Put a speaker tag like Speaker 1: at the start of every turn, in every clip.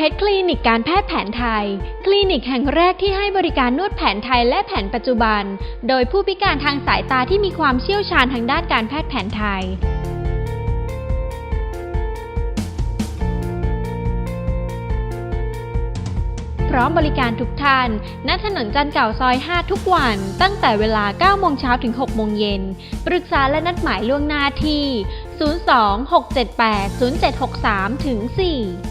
Speaker 1: เพชรคลินิกการแพทย์แผนไทยคลินิกแห่งแรกที่ให้บริการนวดแผนไทยและแผนปัจจุบันโดยผู้พิการทางสายตาที่มีความเชี่ยวชาญทางด้านการแพทย์แผนไทยพร้อมบริการทุกท่านณถนนจันทร์เก่าซอย 5 ทุกวันตั้งแต่เวลา 9 โมงเช้าถึง 6 โมงเย็นปรึกษาและนัดหมายล่วงหน้าที่ 02-678-0763 ถึง 4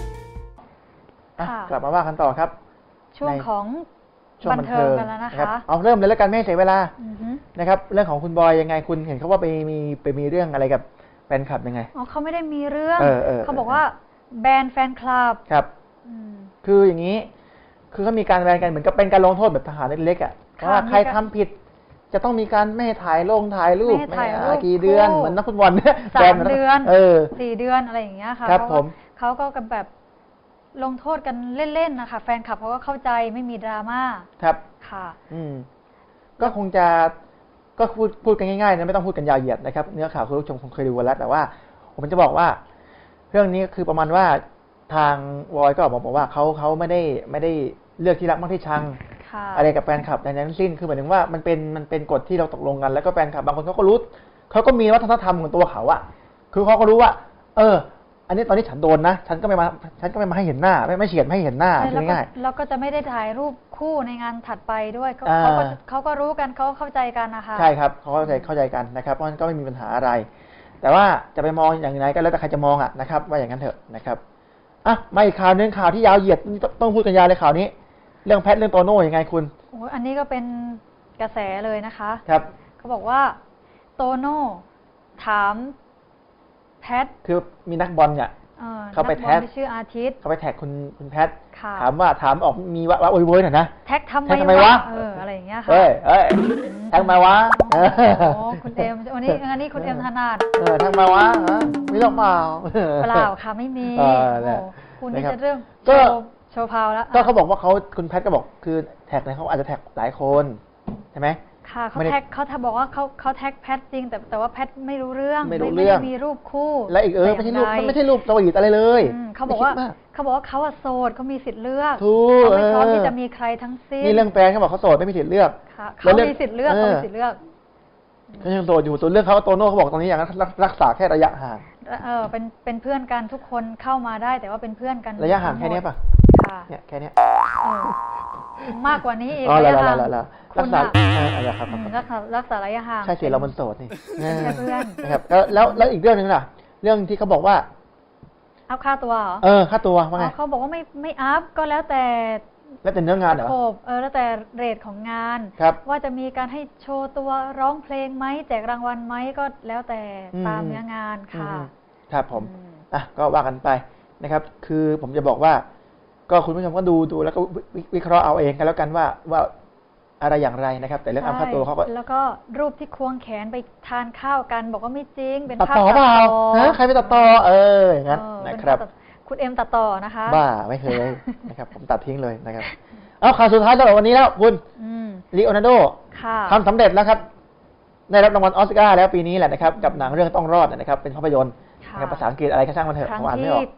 Speaker 2: กลับมาว่ากันต่อครับ
Speaker 3: ช่วงของบันเทิงกันแล้วนะคะ
Speaker 2: เอาเริ่มเลยแล้วกันไม่ให้เสียเวลานะครับเรื่องของคุณบอยยังไงคุณเห็นเขาว่าไปมีเรื่องอะไรกับแฟนคลับยังไง
Speaker 3: อ๋อเขาไม่ได้มีเรื่องเขาบอกว่าแบนแฟนคลับ
Speaker 2: ครับคืออย่างนี้คือเขามีการแบนกันเหมือนกับเป็นการลงโทษแบบทหารเล็กๆอ่ะว่าใครทำผิดจะต้องมีการไม่ถ่ายรูปไม่กี่เดือนเหมือนนักฟุตบอลเนี่ย
Speaker 3: 3 เดือน4 เดือนอะไรอย่างเงี้ยค่ะ
Speaker 2: ครับผม
Speaker 3: เขาก็กันแบบลงโทษกันเล่นๆนะคะแฟนคลับเขาก็เข้าใจไม่มีดราม่า
Speaker 2: ครับ
Speaker 3: ค่ะ
Speaker 2: ก็คงจะก็พูดกันง่ายๆนะไม่ต้องพูดกันยาวเหยียดนะครับเนื้อข่าวคุณผู้ชมคงเคยดูแล้วแต่ว่าผมจะบอกว่าเรื่องนี้คือประมาณว่าทางวอยก็บอกว่าเขาไม่ได้เลือกที่รักมากที่ชังอะไรกับแฟนคลับในนั้นทั้งสิ้นคือหมายถึงว่ามันเป็นกฎที่เราตกลงกันแล้วก็แฟนคลับบางคนเขาก็รู้เขาก็มีวัฒนธรรมของตัวเขาอะคือเขาก็รู้ว่าอันนี้ตอนนี้ฉันโดนนะฉันก็ไม่มาให้เห็นหน้าไม่เฉียดไม่ให้เห็นหน้าง่าย
Speaker 3: ๆแล้วก็จะไม่ได้ถ่ายรูปคู่ในงานถัดไปด้วยเขาก็รู้กันเขาเข้าใจกันนะคะ
Speaker 2: ใช่ครับเขาเข้าใจกันนะครับเพราะฉะนั้นก็ไม่มีปัญหาอะไรแต่ว่าจะไปมองอย่างไรก็แล้วแต่ใครจะมองอะนะครับว่าอย่างนั้นเถอะนะครับมาอีกข่าวนึงข่าวที่ยาวเหยียดต้องพูดกันยาวเลยข่าวนี้เรื่องแพทเรื่องโตโน่ยังไงคุณ
Speaker 3: อันนี้ก็เป็นกระแสเลยนะคะ
Speaker 2: ครับ
Speaker 3: เขาบอกว่าโตโน่ถามแพท
Speaker 2: คือมีนักบอลเนี่ยเขาไปแท็ก
Speaker 3: ชื่ออาทิตย์
Speaker 2: เขาไปแท็กคุณแพทถามออกมีว่าโวยหน่อยนะ
Speaker 3: แท็กทำไมวะอะไรอย่างเงี้ยค่ะ
Speaker 2: แท็กมาวะ
Speaker 3: คุณเอ็มวันนี้คุณเอ็มถนัด
Speaker 2: แท็กมาวะไม่หรอกเปล่า
Speaker 3: ค่ะไม่มีคุณนี่จะเรื่องโชว์พาวแล้ว
Speaker 2: ก็เขาบอกว่าคุณแพทก็บอกคือแท็กเนี่ยเขาอาจจะแท็กหลายคนใช่ไหม
Speaker 3: ค่ะเขาบอกว่าเขาแท็กแพทจริงแต่ว่าแพทไม่รู้เรื่อง
Speaker 2: ไม่
Speaker 3: มีรูปคู่
Speaker 2: และอีกไม่ใช่รูปมันไม่ใช่รูปสวีทอะไรเลย
Speaker 3: เขาบอกว่าเขาโสดเขามีสิทธิ์เลือกเขาไม่พร้อมที่จะมีใครทั้งสิ้น
Speaker 2: นี่เรื่องแฟนเขาบอกเขาโสดไม่มีสิทธิ์เลือก
Speaker 3: เขามีสิทธิ์เลือกเขามีสิทธิ์เลือก
Speaker 2: เขายังโสดอยู่ตัวเรื่องเขาโตโน่เขาบอกตอนนี้อย่างนั้นรักษาแค่ระยะห่าง
Speaker 3: เป็นเพื่อนกันทุกคนเข้ามาได้แต่ว่าเป็นเพื่อนกัน
Speaker 2: ระยะห่างแค่นี้ป่ะเนี่ยแค่นี้
Speaker 3: มากกว่านี้อีก
Speaker 2: ระยะห่างรักษา
Speaker 3: รักษาระยะห่าง
Speaker 2: ใช่สิเรามันโสดนี่
Speaker 3: แค่เพื่อน
Speaker 2: นะครับแล้วอีกเรื่องนึงล่ะเรื่องที่เขาบอกว่า
Speaker 3: อัพค่าตัวเหรอ
Speaker 2: ค่าตัวว่าไง
Speaker 3: เขาบอกว่าไม่อัพก็แล้วแต่
Speaker 2: เนื้องานเหรอ
Speaker 3: แล้วแต่เรทของงานว่าจะมีการให้โชว์ตัวร้องเพลงไหมแจกรางวัลไหมก็แล้วแต่ตามเนื้องานค่ะ
Speaker 2: ครับผมก็ว่ากันไปนะครับคือผมจะบอกว่าก็คุณผู้ชมก็ดูแล้วก็วิเคราะห์เอาเองกันแล้วกันว่าอะไรอย่างไรนะครับแต่เรื่องอัพค่าตัวเขาก็
Speaker 3: แล้วก็รูปที่ควงแขนไปทานข้าวกันบอกว่าไม่จริงเป็น
Speaker 2: ภาพตัดต่อเปล่าใครไปตัดต่ออย่างนั้นนะครับ
Speaker 3: คุณเอ็มตัดต่อนะคะ
Speaker 2: บ้าไม่เคยนะครับผมตัดทิ้งเลยนะครับเอาข่าวสุดท้ายสำหรับวันนี้แล้วคุณลีโอนาร์โดทำสำเร็จแล้วครับได้รับรางวัลออสการ์แล้วปีนี้แหละนะครับกับหนังเรื่องต้องรอดนะครับเป็นภาพยนตร์ภาษาอังกฤษอะไรก็ช่างมันเถอะผมอ่านไม่ออก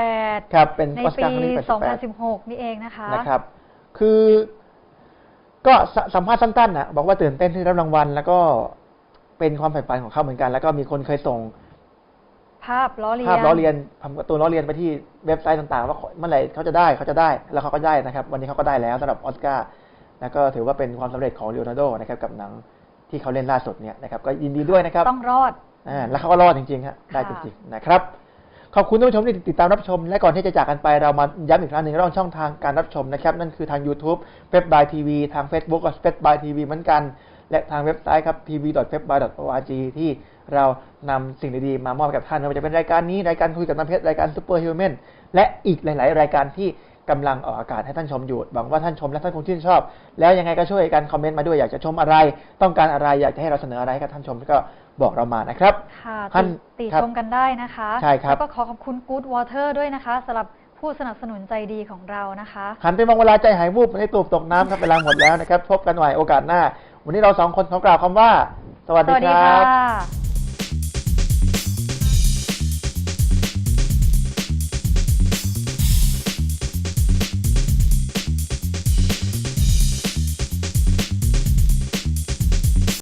Speaker 3: 88
Speaker 2: ครับเป็น
Speaker 3: ออสการ์ครั้งที่2016นี่เอง
Speaker 2: นะครับคือก็สัมภาษณ์สั้นๆนะบอกว่าตื่นเต้นที่รับรางวัลแล้วก็เป็นความใฝ่ฝันของเขาเหมือนกันแล้วก็มีคนเคยส่ง
Speaker 3: ภาพล้อเลี
Speaker 2: ยนทำการ์ตูนล้อเลียนไปที่เว็บไซต์ต่างๆว่าเมื่อไหร่เขาจะได้แล้วเขาก็ได้นะครับวันนี้เขาก็ได้แล้วสำหรับออสการ์แล้วก็ถือว่าเป็นความสำเร็จของลีโอนาร์โดนะครับกับหนังที่เขาเล่นล่าสุดเนี่ยนะครับก็ยินดีด้วยนะครับ
Speaker 3: ต้องรอด
Speaker 2: แล้วเขาก็รอดจริงๆครับได้จริงๆนะครับขอบคุณท่านผู้ชมที่ติดตามรับชมและก่อนที่จะจากกันไปเรามาย้ำอีกครั้งหนึ่งเรื่องช่องทางการรับชมนะครับนั่นคือทาง YouTube FEB.TV ทาง Facebook ก็ FEB.TV เหมือนกันและทางเว็บไซต์ครับ tv.feb.org ที่เรานำสิ่งดีๆมามอบให้กับท่านไม่ว่าจะเป็นรายการนี้รายการคุยกับน้ำเพชรรายการซูเปอร์ฮิวแมนและอีกหลายๆรายการที่กำลังออกอากาศให้ท่านชมอยู่หวังว่าท่านชมและท่านคงชื่นชอบแล้วยังไงก็ช่วยกันคอมเมนต์มาด้วยอยากจะชมอะไรต้องการอะไรอยากจะให้เราเสนออะไรให้กับท่านชมก็บอกเรามานะครับ
Speaker 3: ค่ะติชมกันได้นะคะ
Speaker 2: ใช่ครับ
Speaker 3: แล้วก็ขอบคุณ Good Water ด้วยนะคะสำหรับผู้สนับสนุนใจดีของเรานะคะ
Speaker 2: หันไปมองเวลาใจหายวูบให้ตูบตกน้ำครับเวลาหมดแล้วนะครับพบกันใหม่โอกาสหน้าวันนี้เรา2 คนขอกล่าวคำว่าสวัสดีครับ